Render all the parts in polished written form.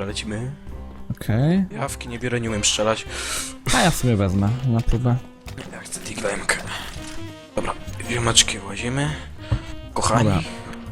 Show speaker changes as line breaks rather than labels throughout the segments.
Dobra, lecimy.
Okej.
Jawki nie biorę, nie umiem strzelać.
A ja sobie wezmę na próbę.
Ja chcę diglemkę. Dobra, ziomeczki łazimy. Kochani.
Dobra.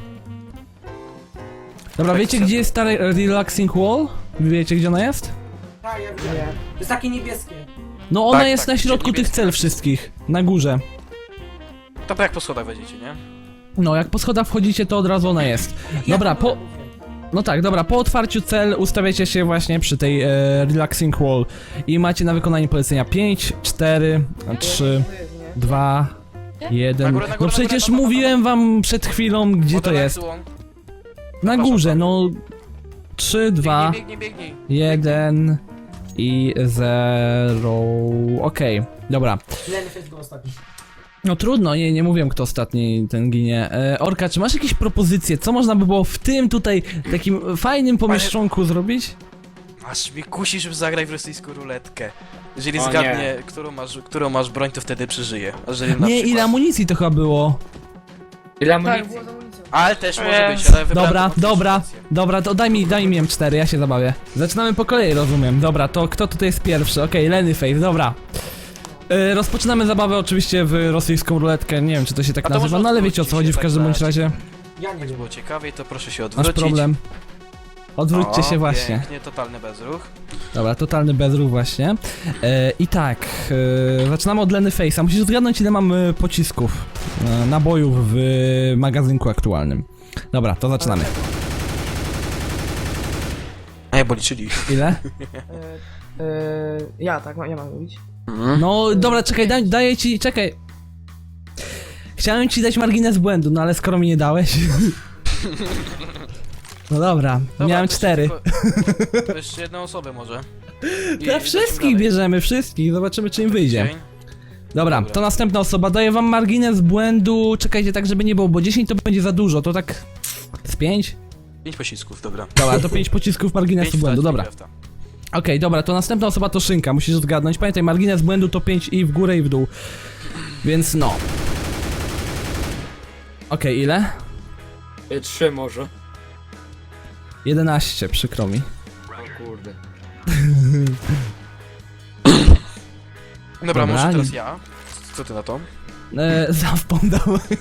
Dobra, wiecie gdzie jest ta relaxing wall? Wiecie gdzie ona jest?
Tak, ja wiem. To jest takie niebieskie.
No ona
Tak,
jest
tak,
na środku tych
niebieskie.
cel wszystkich. Na górze.
To jak po schodach wejdziecie, nie?
No jak po schodach wchodzicie to od razu ona jest. Dobra, po... No tak, dobra, po otwarciu cel ustawiacie się właśnie przy tej relaxing wall. I macie na wykonanie polecenia 5, 4, 3, 2, 1.
Na górę, na
No
górę,
przecież
na górę,
mówiłem wam przed chwilą gdzie to jest. Na górze, no 3, 2,
Biegnij.
1 i 0. Okej, dobra.
Lenny jest go ostatni.
No trudno, nie mówiłem kto ostatni ten ginie. Orka, czy masz jakieś propozycje? Co można by było w tym tutaj takim fajnym pomieszczonku zrobić?
Aż mi kusi, żeby zagrać w rosyjską ruletkę. Jeżeli
O
zgadnie, którą masz broń, to wtedy przeżyje. A jeżeli na
Nie,
przykład...
ile amunicji to chyba było?
Ile
Tak,
amunicji?
było z amunicją.
Ale też może być, ale wybrałem
Dobra,
taką
dobra,
sytuację.
dobra, to daj mi M4, ja się zabawię. Zaczynamy po kolei, rozumiem. Dobra, to kto tutaj jest pierwszy? Okej, Lennyface, dobra. Rozpoczynamy zabawę oczywiście w rosyjską ruletkę, nie wiem czy to się tak
A to
nazywa,
może
no ale wiecie o co
odwróćcie
chodzi w
się
każdym
tak
bądź
na-
razie.
Ja nie
Jak
wiem.
było ciekawiej, to proszę się
Masz
odwrócić.
problem. Odwróćcie się właśnie.
Pięknie, totalny bezruch.
Dobra, totalny bezruch właśnie. I tak, zaczynamy od Lennyface'a. Musisz zgadnąć ile mam pocisków, nabojów w magazynku aktualnym. Dobra, to zaczynamy.
Ej, bo liczyli.
Ile?
Ja tak, ja mam mówić.
No dobra, czekaj, daję ci, czekaj. Chciałem ci dać margines błędu, no ale skoro mi nie dałeś. No dobra, miałem
to
4.
tylko- To jeszcze jedną osobę może. I
Dla
lecimy
wszystkich
dalej.
bierzemy, wszystkich, zobaczymy czy im wyjdzie.
Dzień.
Dobra,
Dobra.
to następna osoba, daję wam margines błędu, czekajcie tak żeby nie było, bo 10 to będzie za dużo, to tak z 5?
5 pocisków, dobra.
Dobra, to 5 pocisków marginesu
Pięć
błędu,
wstać,
dobra.
lefta.
Okej, dobra, to następna osoba to Szynka, musisz zgadnąć. Pamiętaj, margines błędu to 5 i w górę i w dół. Więc no. Okej, ile?
3 może.
11, przykro mi.
O kurde.
Dobra, może
nie-
teraz ja. Co ty na to?
Zawpom,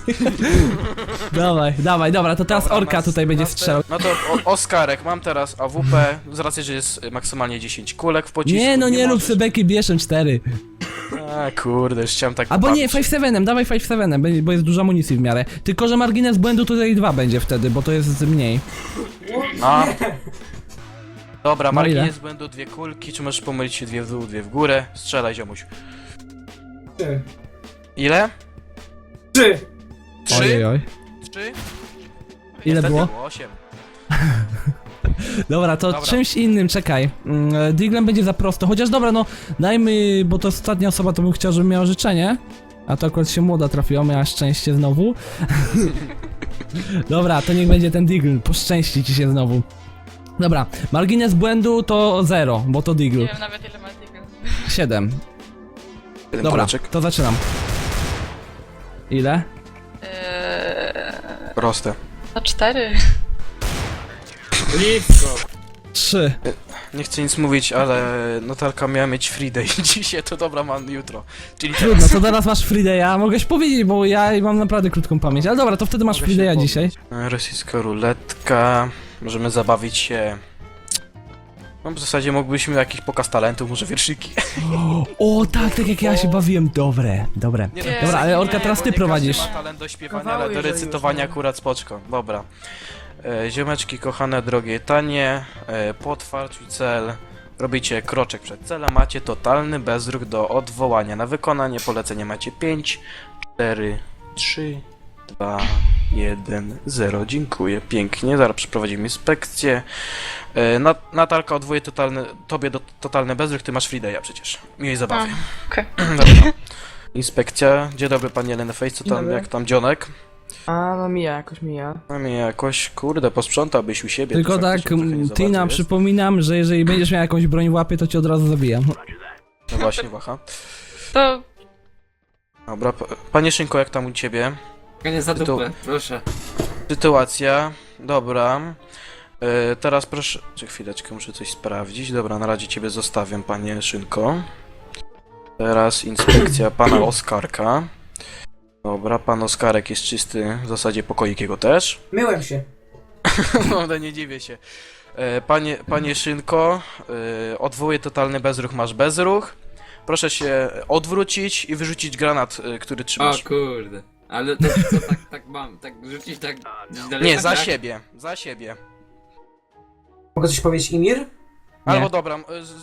dawaj, dobra, to teraz
Dobra,
Orka tutaj będzie strzelał.
No to Oskarek, mam teraz AWP, z racji, że jest maksymalnie 10 kulek w pocisku.
Nie, no nie rób
możesz-
sobie beki, bierzem 4.
A kurde, już chciałem tak
Albo nie,
pobawić.
5-7, dawaj 5-7, bo jest dużo amunicji w miarę. Tylko, że margines błędu tutaj 2 będzie wtedy, bo to jest mniej.
A. Dobra,
No ile?
margines błędu 2 kulki, czy możesz pomylić się 2 w dół, 2 w górę? Strzelaj, ziomuś.
3.
Ile?
3.
3?
Ojej.
3?
Ile było?
8.
Dobra, to
Dobra.
czymś innym, czekaj. Diglem będzie za prosto, chociaż dobra, no dajmy, bo to ostatnia osoba, to bym chciał, żeby miała życzenie. A to akurat się młoda trafiła, miała szczęście znowu. Dobra, to niech będzie ten Digl, poszczęści ci się znowu. Dobra, margines błędu to 0, bo to Digl.
Nie wiem nawet ile ma tego.
7.
Jeden
Dobra,
kuleczek.
to zaczynam. Ile?
Proste.
No 4.
Blisko.
3.
Nie chcę nic mówić, ale Natalka miała mieć free day dzisiaj, to dobra, mam jutro. Czyli
Trudno, to teraz masz Freeday'a, mogłeś powiedzieć, bo ja mam naprawdę krótką pamięć, ale dobra, to wtedy masz
Mogę się
Freeday'a
pomylić.
dzisiaj.
Rosyjska ruletka. Możemy zabawić się. No w zasadzie moglibyśmy jakiś pokaz talentów, może wierszyki.
O tak, tak jak ja się bawiłem, dobre.
Nie,
Dobra,
piosenki
ale Orka,
nie,
teraz
bo
ty
nie
prowadzisz.
każdy ma talent do śpiewania,
Kawały,
ale do
jeżeli
recytowania
już, nie?
akurat spoczko. Dobra. Ziomeczki kochane, drogie, tanie. Po otwarciu cel robicie kroczek przed celem. Macie totalny bezruch do odwołania. Na wykonanie polecenia macie 5, 4, 3, 2, 1, 0. Dziękuję, pięknie. Zaraz przeprowadzimy inspekcję. Natalka odwołuje tobie do totalny bezruch, ty masz free day'a przecież. Miłej zabawy.
Okej.
Dobra. Inspekcja. Dzień dobry panie Lennyface, co
Dzień
tam,
dobry.
jak tam dzionek?
A, no mija, jakoś mija.
No mnie jakoś, kurde, posprzątałbyś u siebie.
Tylko
to
tak,
faktycznie trochę nie za
Tina,
bardzo jest.
przypominam, że jeżeli będziesz miał jakąś broń w łapie, to cię od razu zabijam.
No właśnie, waha.
To
Dobra, panie Szynko, jak tam u ciebie?
Nie za
To-
dupę, proszę.
Sytuacja, dobra. Teraz proszę... Czy chwileczkę, muszę coś sprawdzić. Dobra, na razie ciebie zostawiam, panie Szynko. Teraz inspekcja pana Oskarka. Dobra, pan Oskarek jest czysty, w zasadzie pokoik jego też.
Myłem się.
No, nie dziwię się. Panie Szynko, odwołuję totalny bezruch, masz bezruch. Proszę się odwrócić i wyrzucić granat, który
O
trzymasz.
kurde. Ale to co, tak mam, tak rzucić tak gdzieś daleko,
Nie, za
tak?
siebie, za siebie.
Mogę coś powiedzieć, Imir?
Albo dobra,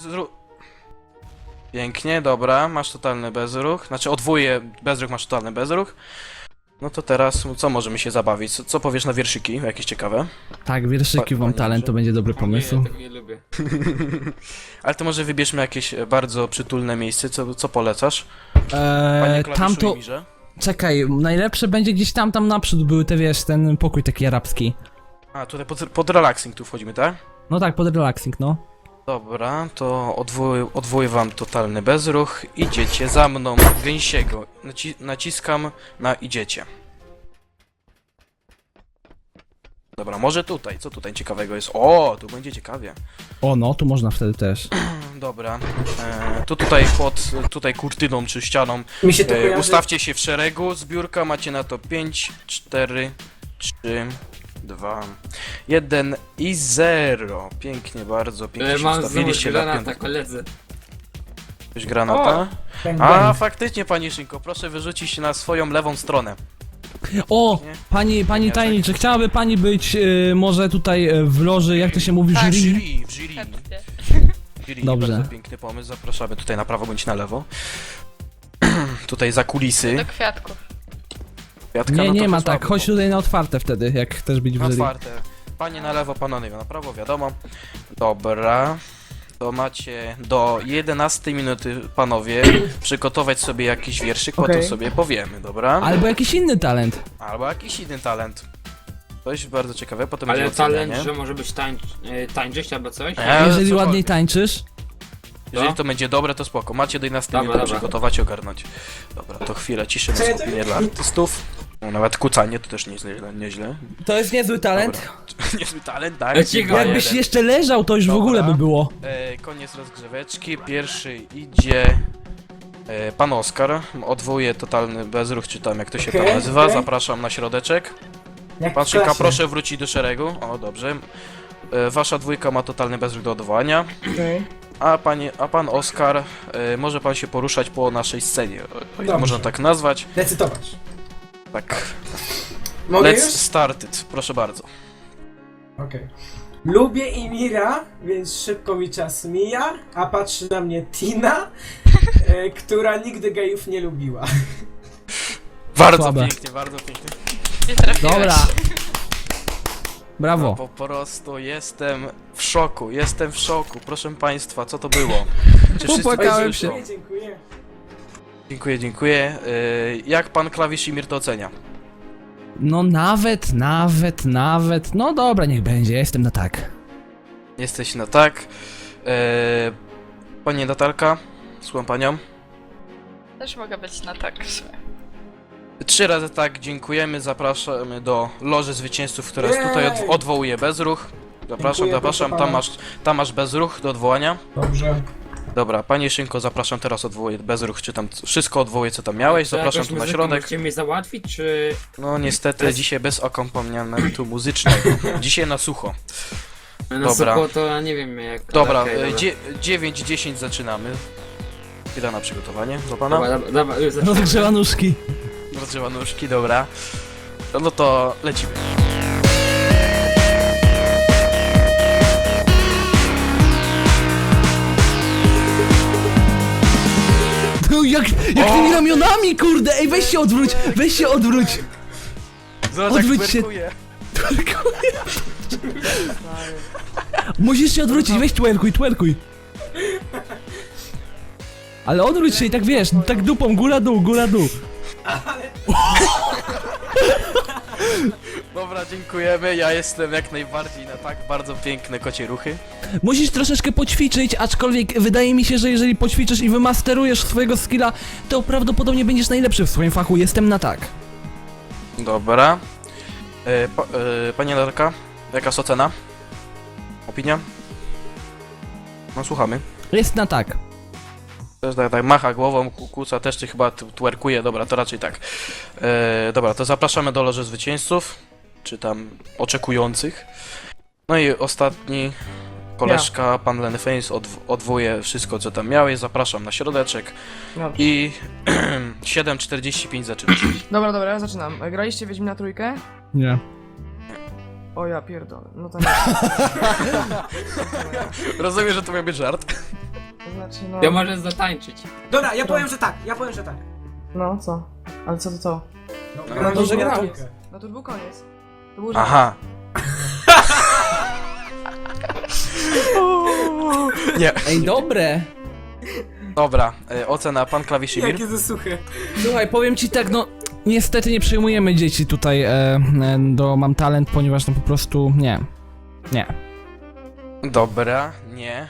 pięknie, dobra, masz totalny bezruch. Znaczy odwołuję bezruch, masz totalny bezruch. No to teraz, co możemy się zabawić? Co powiesz na wierszyki? Jakieś ciekawe?
Tak, wierszyki mam
Panie
talent, to będzie dobry
O
pomysł.
Nie, tego nie lubię.
Ale to może wybierzmy jakieś bardzo przytulne miejsce, co polecasz? Panie klawiszu
Tamto...
Imirze?
Czekaj, najlepsze będzie gdzieś tam naprzód były te, wiesz, ten pokój taki arabski.
A, tutaj pod relaxing tu wchodzimy, tak?
No tak, pod relaxing, no.
Dobra, to odwołuję wam totalny bezruch. Idziecie za mną, gęsiego. Naciskam na idziecie. Dobra, może tutaj. Co tutaj ciekawego jest? O, tu będzie ciekawie.
O no, tu można wtedy też.
Dobra, to tutaj tutaj kurtyną czy ścianą
Mi się to kojarzy.
ustawcie się w szeregu. Zbiórka macie na to 5, 4, 3, 2, 1 i 0. Pięknie, bardzo pięknie się
Mam znowu
ustawiliście na
granata,
piątkę.
koledzy.
Coś granata?
Bang,
A,
bang.
faktycznie, panie Szynko, proszę wyrzucić się na swoją lewą stronę.
O!
Nie?
Pani tajnik, czy chciałaby pani być może tutaj w loży, jak to się mówi,
Tak,
jury?
W jury.
Chętnie.
Jury,
Dobrze.
bardzo piękny pomysł, zapraszamy tutaj na prawo bądź na lewo. Tutaj za kulisy.
Do kwiatków.
Kwiatka,
Nie,
no to
nie ma
to
tak,
słabo,
chodź tutaj na otwarte wtedy, jak chcesz być w
Na
jury.
otwarte. Panie na lewo, panowie na prawo, wiadomo. Dobra. To macie do 11 minuty, panowie, przygotować sobie jakiś wierszyk, potem
Okej.
sobie powiemy, dobra?
Albo jakiś inny talent.
Albo jakiś inny talent. Coś bardzo ciekawe, potem
Ale
będzie
talent,
ocenianie.
że może być tańczyć albo coś?
Ale
Jeżeli
cokolwiek.
ładniej tańczysz.
Jeżeli to będzie dobre, to spoko. Macie do 11
Dobra,
minut
dobra.
przygotować i ogarnąć. Dobra, to chwilę ciszy na
Co ja to-
skupienie dla artystów. No, nawet kucanie to też nieźle.
To jest niezły talent.
Dobra. Niezły talent, tak?
Cicho,
Jakbyś
Jeden.
jeszcze leżał, to już w
Dobra.
ogóle by było.
Koniec rozgrzeweczki. Pierwszy idzie pan Oskar. Odwołuję totalny bezruch, czy tam jak to się tam
Okej,
nazywa.
okej.
Zapraszam na środeczek.
Jak
Pan
w
Szynka,
klasie.
proszę wrócić do szeregu. O, dobrze. Wasza dwójka ma totalny bezruch do odwołania.
Okej.
A pan Oskar, może pan się poruszać po naszej scenie, o ile
Dobrze.
można tak nazwać.
Decydować.
Tak.
Mogę
Let's
już?
start it, proszę bardzo.
Okej. Lubię Imira, więc szybko mi czas mija, a patrzy na mnie Tina, która nigdy gejów nie lubiła.
Bardzo
Słabe.
pięknie, bardzo pięknie.
Nie trafiłeś.
Dobra. Brawo.
Po prostu jestem w szoku, proszę państwa, co to było? Czy wszyscy
Popłakałem
to
się.
słyszą?
Dziękuję.
Dziękuję. Jak pan klawisz Imir to ocenia?
No nawet. No dobra, niech będzie, ja jestem na tak.
Jesteś na tak. Pani Natalka, słucham panią.
Też mogę być na tak w sumie.
3 razy tak, dziękujemy, zapraszamy do loży zwycięzców, która jest tutaj
Jej!
odwołuje bezruch. Zapraszam,
Dziękuję,
zapraszam,
proszę pana.
tam masz bezruch do odwołania.
Dobrze.
Dobra, panie Szynko, zapraszam, teraz odwołuję bezruch, czy tam wszystko odwołuję, co tam miałeś,
Czy
zapraszam
jakąś
tu na
muzyką
środek.
Możecie mnie załatwić, czy...
No niestety, dzisiaj bez akompaniamentu muzycznego, dzisiaj na sucho.
Na
Dobra.
sucho to ja nie wiem jak...
Dobra,
okej,
9-10 zaczynamy. Chwila na przygotowanie, do pana.
Dobra, już zaczynamy.
Rozgrzewa nóżki.
Rozgrzewa nóżki, dobra. No to lecimy.
No jak tymi ramionami, kurde, ej weź się odwróć.
Zobacz,
Odwróć
jak
się.
twerkuje.
Musisz się odwrócić, weź twerkuj. Ale odwróć się i tak wiesz, tak dupą, góra dół.
Dobra, dziękujemy. Ja jestem jak najbardziej na tak bardzo piękne kocie ruchy.
Musisz troszeczkę poćwiczyć, aczkolwiek wydaje mi się, że jeżeli poćwiczysz i wymasterujesz swojego skilla, to prawdopodobnie będziesz najlepszy w swoim fachu, jestem na tak.
Dobra. Pani Natalka, jaka jest ocena? Opinia? No słuchamy.
Jest na tak.
Też tak macha głową, kłóca też ty chyba twerkuje, dobra, to raczej tak. Dobra, to zapraszamy do loży zwycięzców, czy tam oczekujących. No i ostatni koleżka, pan Lennyface, odwołuje wszystko, co tam miałeś, zapraszam na środeczek
Dobrze.
i 7:45 zaczynasz.
Dobra, ja zaczynam. Graliście Wiedźmina trójkę?
Nie.
O ja pierdolę, no to nie.
Rozumiem, że to miał być żart.
To znaczy, no...
Ja możesz zatańczyć.
Dobra, ja powiem, że tak.
No, co? Ale co to co?
No,
to, że
Wiedźmina
grał.
trójkę.
No to był koniec. To był żart.
Aha. Nie,
Ej, dobre!
dobra, ocena pan klawiszymir.
Jakie to suche.
Słuchaj, powiem ci tak, no niestety nie przyjmujemy dzieci tutaj do Mam Talent, ponieważ no po prostu nie. Nie.
Dobra, nie.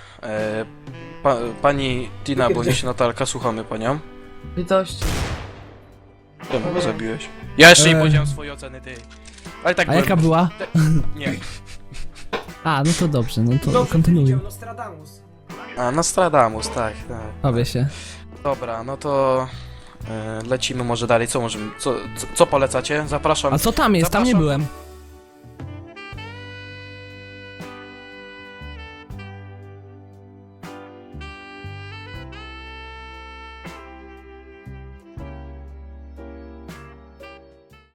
Pani Tina, bo się Natalka, słuchamy panią.
Litości.
Czemu go zabiłeś? Ja jeszcze nie
Eee.
powiedziałem swojej oceny, ty. Ale tak
A jaka
byłem-
była?
Nie.
A, no to dobrze, no to
Dobrze
kontynuuj.
widział, Nostradamus.
A, Nostradamus, tak, tak.
Owie się.
Dobra, no to lecimy może dalej. Co możemy, co polecacie? Zapraszam.
A co tam jest? Tam nie
Zapraszam.
byłem.